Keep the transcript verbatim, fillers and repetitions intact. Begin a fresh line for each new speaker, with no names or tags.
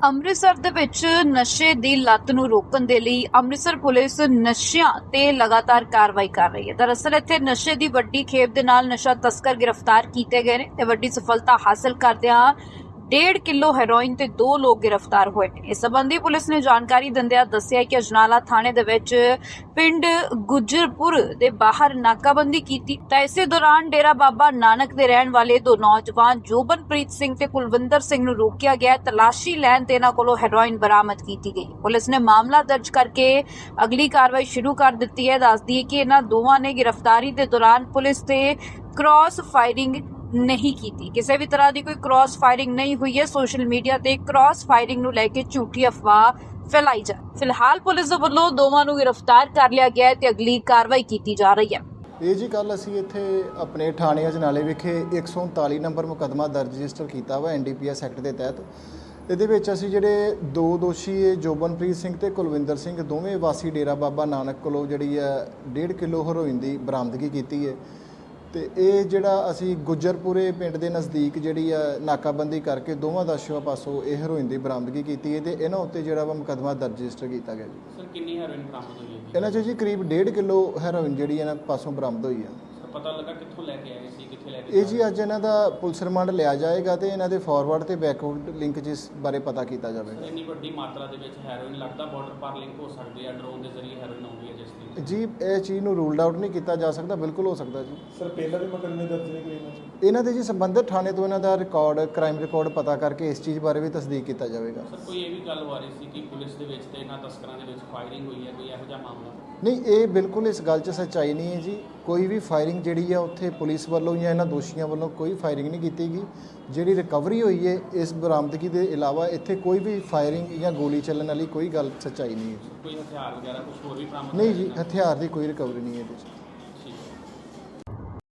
ਅੰਮ੍ਰਿਤਸਰ ਦੇ ਵਿੱਚ ਨਸ਼ੇ ਦੀ ਲੱਤ ਨੂੰ ਰੋਕਣ ਦੇ ਲਈ ਅੰਮ੍ਰਿਤਸਰ ਪੁਲਿਸ ਨਸ਼ਿਆਂ ਤੇ ਲਗਾਤਾਰ ਕਾਰਵਾਈ ਕਰ ਰਹੀ ਹੈ। ਦਰਅਸਲ ਇੱਥੇ ਨਸ਼ੇ ਦੀ ਵੱਡੀ ਖੇਪ ਦੇ ਨਾਲ ਨਸ਼ਾ ਤਸਕਰ ਗ੍ਰਿਫਤਾਰ ਕੀਤੇ ਗਏ ਨੇ ਤੇ ਵੱਡੀ ਸਫਲਤਾ ਹਾਸਲ ਕਰਦਿਆਂ डेढ़ किलो ਹੈਰੋਇਨ ਤੇ ਦੋ ਲੋਕ गिरफ्तार ਹੋਏ ਨੇ। ਇਸ ਸੰਬੰਧੀ ਪੁਲਿਸ ਨੇ ਜਾਣਕਾਰੀ ਦਿੰਦਿਆਂ ਦੱਸਿਆ ਕਿ ਅਜਨਾਲਾ ਥਾਣੇ ਦੇ ਵਿੱਚ ਪਿੰਡ ਗੁਜਰਪੁਰ ਦੇ ਬਾਹਰ ਨਾਕਾਬੰਦੀ ਕੀਤੀ ਤਾਂ ਇਸੇ ਦੌਰਾਨ ਡੇਰਾ ਬਾਬਾ ਨਾਨਕ ਦੇ ਰਹਿਣ ਵਾਲੇ ਦੋ ਨੌਜਵਾਨ ਜੋਬਨਪ੍ਰੀਤ ਸਿੰਘ ਤੇ ਕੁਲਵਿੰਦਰ ਸਿੰਘ ਨੂੰ ਰੋਕਿਆ ਗਿਆ। ਤਲਾਸ਼ੀ ਲੈਣ ਤੇ ਇਹਨਾਂ ਕੋਲੋਂ ਹੈਰੋਇਨ ਬਰਾਮਦ ਕੀਤੀ ਗਈ। ਪੁਲਿਸ ਨੇ ਮਾਮਲਾ ਦਰਜ ਕਰਕੇ ਅਗਲੀ ਕਾਰਵਾਈ ਸ਼ੁਰੂ ਕਰ ਦਿੱਤੀ ਹੈ। ਦੱਸਦੀ ਹੈ ਕਿ ਇਹਨਾਂ ਦੋਵਾਂ ਨੇ ਗ੍ਰਿਫਤਾਰੀ ਦੇ ਦੌਰਾਨ ਪੁਲਿਸ ਤੇ ਕ੍ਰਾਸ ਫਾਇਰਿੰਗ नहीं की किसी भी तरह की कोई क्रॉस फायरिंग नहीं हुई है। सोशल मीडिया ते क्रॉस फायरिंग नूं लैके झूठी अफवाह फैलाई जा फिलहाल पुलिस दे वल्लों दोवां नूं गिरफ्तार कर लिया गया है ते अगली कार्रवाई की जा रही है।
ਇਹ ਜੀ ਕੱਲ ਅਸੀਂ ਇੱਥੇ ਆਪਣੇ ਥਾਣੇ ਅਜਨਾਲੇ ਵਿਖੇ ਇੱਕ ਸੌ ਉਨਤਾਲੀ ਨੰਬਰ ਮੁਕੱਦਮਾ ਦਰਜ ਰਜਿਸਟਰ ਕੀਤਾ ਵਾ N D P S act ਦੇ ਤਹਿਤ। ਇਹਦੇ ਵਿੱਚ ਅਸੀਂ ਜਿਹੜੇ ਦੋ ਦੋਸ਼ੀ ਜੋਬਨਪ੍ਰੀਤ ਸਿੰਘ ਤੇ ਕੁਲਵਿੰਦਰ ਸਿੰਘ ਦੋਵੇਂ ਵਾਸੀ ਡੇਰਾ ਬਾਬਾ ਨਾਨਕ ਕੋਲੋਂ ਜਿਹੜੀ ਹੈ ਡੇਢ ਕਿਲੋ ਹੈਰੋਇਨ ਦੀ ਬਰਾਮਦਗੀ ਕੀਤੀ ਹੈ। ਤੇ ਇਹ ਜਿਹੜਾ ਅਸੀਂ ਗੁਜਰਪੁਰੇ ਪਿੰਡ ਦੇ ਨਜ਼ਦੀਕ ਜਿਹੜੀ ਆ ਨਾਕਾਬੰਦੀ ਕਰਕੇ ਦੋਵਾਂ ਦੋਸ਼ੀਆਂ ਪਾਸੋਂ ਇਹ ਹੈਰੋਇਨ ਦੀ ਬਰਾਮਦਗੀ ਕੀਤੀ ਹੈ ਤੇ ਇਹਨਾਂ ਉੱਤੇ ਜਿਹੜਾ ਵਾ ਮੁਕੱਦਮਾ ਦਰਜ ਰਜਿਸਟਰ ਕੀਤਾ ਗਿਆ ਜੀ।
ਸਰ ਕਿੰਨੀ ਹੈਰੋਇਨ ਬਰਾਮਦ ਹੋਈ ਹੈ ਜੀ?
ਇਹਨਾਂ 'ਚ ਜੀ ਕਰੀਬ ਡੇਢ ਕਿਲੋ ਹੈਰੋਇਨ ਜਿਹੜੀ ਇਹਨਾਂ ਪਾਸੋਂ ਬਰਾਮਦ ਹੋਈ ਆ।
ਸਰ ਪਤਾ ਲੱਗਾ ਕਿੱਥੋਂ ਲੈ ਕੇ ਆਏ ਸੀ, ਕਿੱਥੇ ਲੈ ਕੇ?
ਇਹ ਜੀ ਅੱਜ ਇਹਨਾਂ ਦਾ ਪੁਲਿਸ ਰਿਮਾਂਡ ਲਿਆ ਜਾਏਗਾ ਤੇ ਇਹਨਾਂ ਦੇ ਫਾਰਵਰਡ ਤੇ ਬੈਕਵਰਡ ਲਿੰਕ ਜਿਸ ਬਾਰੇ ਪਤਾ ਕੀਤਾ ਜਾਵੇਗਾ।
ਇੰਨੀ ਵੱਡੀ ਮਾਤਰਾ ਦੇ ਵਿੱਚ ਹੈਰੋਇਨ ਲੱਗਦਾ ਬਾਰਡਰ ਪਾਰ ਲਿੰਕ ਹੋ ਸਕਦੀ ਹੈ, ਡਰੋਨ ਦੇ ਜ਼ਰੀਏ ਹੈਰੋਇਨ ਆਉਂਦੀ ਹੈ ਜਿਸ ਦੀ?
ਜੀ ਇਹ ਚੀਜ਼ ਨੂੰ ਰੂਲਡ ਆਊਟ ਨਹੀਂ ਕੀਤਾ ਜਾ ਸਕਦਾ, ਬਿਲਕੁਲ ਹੋ ਸਕਦਾ ਜੀ।
ਸਰ ਪਹਿਲਾਂ ਵੀ ਮੁਕੱਦਮੇ ਦਰਜ ਨੇ ਕੋਈ ਇਹਨਾਂ 'ਚ?
ਇਹਨਾਂ ਦੇ ਜੀ ਸੰਬੰਧਿਤ ਥਾਣੇ ਤੋਂ ਇਹਨਾਂ ਦਾ ਰਿਕਾਰਡ ਕ੍ਰਾਈਮ ਰਿਕਾਰਡ ਪਤਾ ਕਰਕੇ ਇਸ ਚੀਜ਼ ਬਾਰੇ ਵੀ ਤਸਦੀਕ ਕੀਤਾ ਜਾਵੇਗਾ।
ਸਰ ਕੋਈ ਇਹ ਵੀ ਗੱਲ ਹੋ ਰਹੀ ਸੀ ਕਿ ਪੁਲਿਸ ਦੇ ਵਿੱਚ ਤੇ ਇਹਨਾਂ ਤਸਕਰਾਂ ਦੇ ਵਿੱਚ ਫਾਇਰਿੰਗ ਹੋਈ ਹੈ, ਕੋਈ ਇਹੋ ਜਿਹਾ ਮਾਮਲਾ?
ਨਹੀਂ, ਇਹ ਬਿਲਕੁਲ ਇਸ ਗੱਲ 'ਚ ਸੱਚਾਈ ਨਹੀਂ ਹੈ ਜੀ। ਕੋਈ ਵੀ ਫਾਇਰਿੰਗ ਜਿਹੜੀ ਆ ਉੱਥੇ ਪੁਲਿਸ ਵੱਲੋਂ ਜਾਂ ਇਹਨਾਂ ਦੋਸ਼ੀਆਂ ਵੱਲੋਂ ਕੋਈ ਫਾਇਰਿੰਗ ਨਹੀਂ ਕੀਤੀ ਗਈ। ਜਿਹੜੀ ਰਿਕਵਰੀ ਹੋਈ ਹੈ ਇਸ ਬਰਾਮਦਗੀ ਦੇ ਇਲਾਵਾ ਇੱਥੇ ਕੋਈ ਵੀ ਫਾਇਰਿੰਗ ਜਾਂ ਗੋਲੀ ਚੱਲਣ ਵਾਲੀ ਕੋਈ ਗੱਲ ਸੱਚਾਈ ਨਹੀਂ ਹੈ।
ਕੋਈ ਹਥਿਆਰ ਵਗੈਰਾ ਕੁਝ ਹੋਰ ਵੀ ਬਰਾਮਦ?
ਨਹੀਂ ਜੀ, ਹਥਿਆਰ ਦੀ ਕੋਈ ਰਿਕਵਰੀ ਨਹੀਂ ਹੈ ਇਹਦੇ 'ਚ।